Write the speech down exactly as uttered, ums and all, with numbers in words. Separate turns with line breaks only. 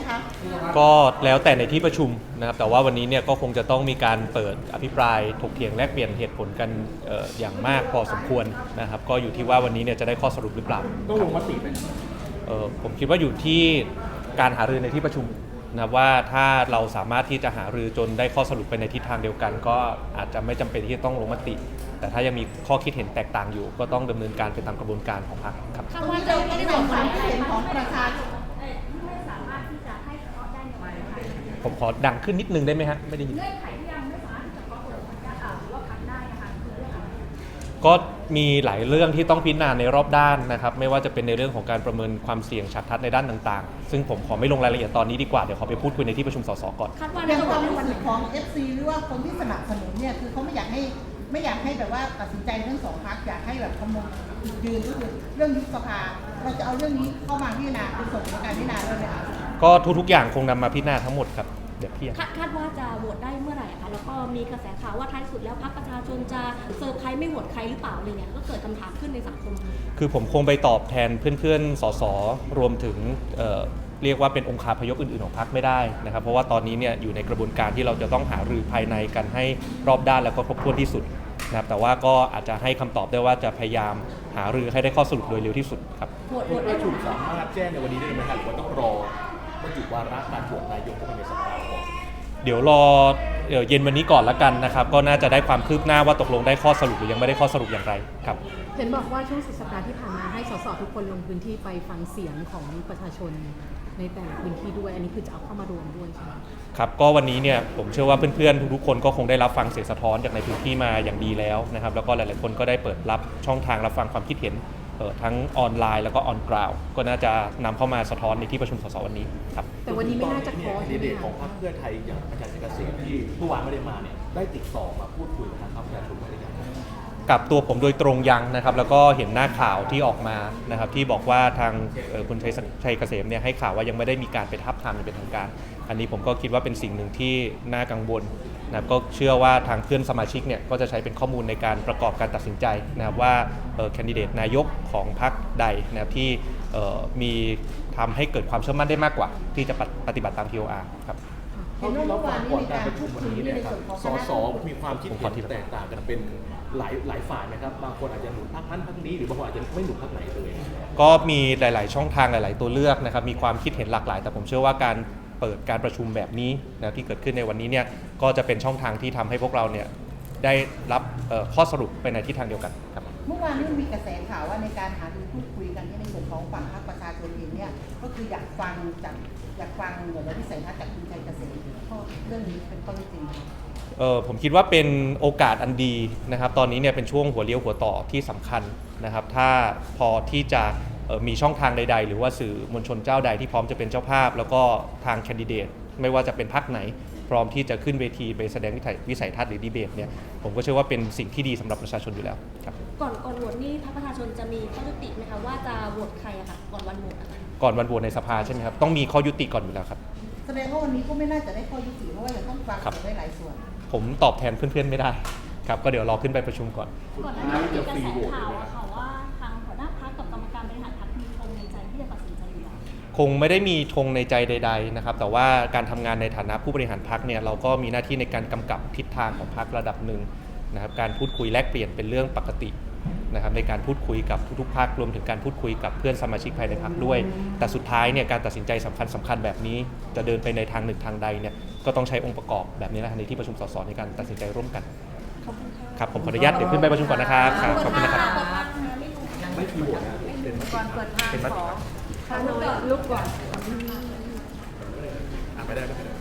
คะ
ก็แล้วแต่ในที่ประชุมนะครับแต่ว่าวันนี้เนี่ยก็คงจะต้องมีการเปิดอภิปรายถกเถียงแลกเปลี่ยนเหตุผลกันเอ่ออย่างมากพอสมควรนะครับก็อยู่ที่ว่าวันนี้เนี่ยจะได้ข้อสรุปหรือเปล่า
ต้องลงมติไหม
เอ่อผมคิดว่าอยู่ที่การหารือในที่ประชุมนะว่าถ้าเราสามารถที่จะหารือจนได้ข้อสรุปไปในทิศทางเดียวกันก็อาจจะไม่จำเป็นที่จะต้องลงมติ แต่ถ้ายังมีข้อคิดเห็นแตกต่างอยู่ ก็ต้องดำเนินการไปตามกระบวนการของพรรคครับ
คำว่าเราไม่ได้บอกความคิดเห็นของประชาชน
ไม่สามารถที่จะให้เคาะได้ในวันนี้
ผมขอดังขึ้นนิดนึงได้ไหมฮะไม่ได้ยิน
เงื่อนไขที่ยังไม่สามารถที่จะเคาะเปิดหรือว่าพักได้นะคะคือเรื่องอะไร
ก็มีหลายเรื่องที่ต้องพิจารณาในรอบด้านนะครับไม่ว่าจะเป็นในเรื่องของการประเมินความเสี่ยงฉากทัดในด้านต่างๆซึ่งผมขอไม่ลงรายละเอียดตอนนี้ดีกว่าเดี๋ยวขอไปพูดคุยในที่ประชุมสสก่อน
อย่างความรู้สึกของ เอฟ ซี หรือว่าคนที่สนับสนุนเนี่ยคือเขาไม่อยากให้ไม่อยากให้แบบว่าตัดสินใจเรื่องสองพรรคอยากให้แบบคำนึงยืนก็คือเรื่องยุบสภาเราจะเอาเรื่องนี้เข้ามาพิจารณาเป็นส่งในการพิจารณาด้วยไหมคะ
ก็ทุกๆอย่างคงนำมาพิจารณาทั้งหมดครับเดี๋ยวพี่
คาดว่าจะโหวตได้เมื่อไหร่คะแล้วก็มีกระแสข่าวว่าท้ายสุดแล้วพรรคประชาชนจะเซอร์ไพรส์ไม่โหวตใครหรือเปล่าอะไรเนี่ยก็เกิดคำถามขึ้นในสังคม
คือผมคงไปตอบแทนเพื่อนๆสสรวมถึงเอ่อเรียกว่าเป็นองค์คาพยพอื่นๆของพรรคไม่ได้นะครับเพราะว่าตอนนี้เนี่ยอยู่ในกระบวนการที่เราจะต้องหารือภายในกันให้รอบด้านแล้วก็ครบถ้วนที่สุดนะครับแต่ว่าก็อาจจะให้คำตอบได้ว่าจะพยายามหารือให้ได้ข้อสรุปโดยเร็วที่สุดครับ
ประชุมสามารถแจ้งในวันนี้ได้ไหมครับหรือว่าต้องรอบรรจุวาระการโหวตนายกเข้าไปในสภาก่อน
เดี๋ยวรอเย็นวันนี้ก่อนละกันนะครับก็น่าจะได้ความคืบหน้าว่าตกลงได้ข้อสรุปหรือยังไม่ได้ข้อสรุปอย่างไรครับ
เห็นบอกว่าช่วงสุดสัปดาห์ที่ผ่านมาให้สสทุกคนลงพื้นที่ไปฟังเสียงของประชาชนในแต่ละพื้นที่ด้วยอันนี้คือจะเอาเข้ามารวมด้วยใช่ไหม
ครับก็วันนี้เนี่ยผมเชื่อว่าเพื่อนๆทุกๆคนก็คงได้รับฟังเสียงสะท้อนจากในพื้นที่มาอย่างดีแล้วนะครับแล้วก็หลายๆคนก็ได้เปิดรับช่องทางรับฟังความคิดเห็นทั้งออนไลน์แล้วก็ออนกราวก็น่าจะนำเข้ามาสะท้อนในที่ประชุมสสวันนี้ครับ
แต่วันนี้ไม่น่าจะขอ
แคนดิเดตของพรรคเพื่อไทยอย่างอาจารย์เกษมที่เมื่อวานไม่ได้มาเนี่ยได้ติดต่อมาพูดคุยกับทางพรรคประชาชนได้ยัง
กับตัวผมโดยตรงยังนะครับแล้วก็เห็นหน้าข่าวที่ออกมานะครับที่บอกว่าทางคุณชัยชัยเกษมเนี่ยให้ข่าวว่ายังไม่ได้มีการไปทับทามอย่างเป็นทางการอันนี้ผมก็คิดว่าเป็นสิ่งหนึ่งที่น่ากังวลนะครับก็เชื่อว่าทางเพื่อนสมาชิกเนี่ยก็จะใช้เป็นข้อมูลในการประกอบการตัดสินใจนะครับว่าแคนดิเดตนายกของพรรคใดนะครับที่มีทำให้เกิดความเชื่อมั่นได้มากกว่าที่จะปฏิบัติตาม ที โอ อาร์ ครับ
เห็นว่าเมื่อวานนี้มีการประชุมวันนี้เนี่ยครับสสมีความคิดเห็นแตกต่างกันเป็นหลายหลายฝ่ายนะครับบางคนอาจจะหนุนพรรคนั้นพรรคนี้หรือบางคนอาจจะไม่หนุนพรรคไหนเลย
ก็มีหลายๆช่องทางหลายๆตัวเลือกนะครับมีความคิดเห็นหลากหลายแต่ผมเชื่อว่าการเปิดการประชุมแบบนี้นะที่เกิดขึ้นในวันนี้เนี่ยก็จะเป็นช่องทางที่ทำให้พวกเราเนี่ยได้รับข้อสรุปไปในทิศทางเดียวกันครับ
เมื่อวานนี้มีกระแสข่าวว่าในการหารือพูดคุยกันที่ในส่วนของฝั่งพรรคประชาชนเองเนี่ยก็คืออยากฟังจากอยากฟังเหมือนวิสัยทัศน์จากคุณชัยเกษมเรื่องนี้เป็นข้อจริง
เออผมคิดว่าเป็นโอกาสอันดีนะครับตอนนี้เนี่ยเป็นช่วงหัวเลี้ยวหัวต่อที่สำคัญนะครับถ้าพอที่จะมีช่องทางใดๆหรือว่าสื่อมวลชนเจ้าใดที่พร้อมจะเป็นเจ้าภาพแล้วก็ทางแคนดิเดตไม่ว่าจะเป็นพรรคไหนพร้อมที่จะขึ้นเวทีไปแสดงวิสัยทัศน์หรือดีเบตเนี่ยผมก็เชื่อว่าเป็นสิ่งที่ดีสำหรับประชาชนอยู่แล้วครับ
ก่อนก่อนโหวตนี่พรรคประชาชนจะมีข้อยุติไหมคะว่าจะโหวตใครอะค่ะก่อนวันโหวต
ก่อนวันโหวตในสภาใช่ไหมครับต้องมีข้อยุติก่อนอยู่แล้วครับ
แสดงว่าวันนี้ก็ไม่น่าจะได้ข้อยุติเพราะว่ายังต้องฟังได้หลายส่วน
ผมตอบแทนเพื่อนๆไม่ได้ครับก็เดี๋ยวรอขึ้นไปประชุมก่อน
ก่อนหน้านี้มีกระแสข่าวอะค่ะว่าทางหัวหน้าพรรคกับกรรมการบริหารพรรคมีธงในใจที่จะตัดสินใจอยู่แล้ว
คงไม่ได้มีธงในใจใดๆนะครับแต่ว่าการทำงานในฐานะผู้บริหารพรรคเนี่ยเราก็มีหน้าที่ในการกำกับทิศทางของพรรคระดับหนึ่งนะครับการพูดคุยแลกเปลี่ยนเป็นเรื่องปกตินะครับในการพูดคุยกับทุกๆพรรครวมถึงการพูดคุยกับเพื่อนสมาชิกภายในพรรคด้วยแต่สุดท้ายเนี่ยการตัดสินใจสำคัญสำคัญแบบนี้จะเดินไปในทางหนึ่งทางใดเนี่ยก็ต้องใช้องค์ประกอบแบบนี้แหละในที่ประชุมสสในการตัดสินใจร่วมกันครับผมขออนุญาตเดี๋ยวขึ้นไปประชุมก่อนนะครับขอบคุณนะครับ
ไม่มีโหวตนะเป็น
ก่อนเปิดทางขอขอลุกก่อน
ไม่ได้ไม่ได้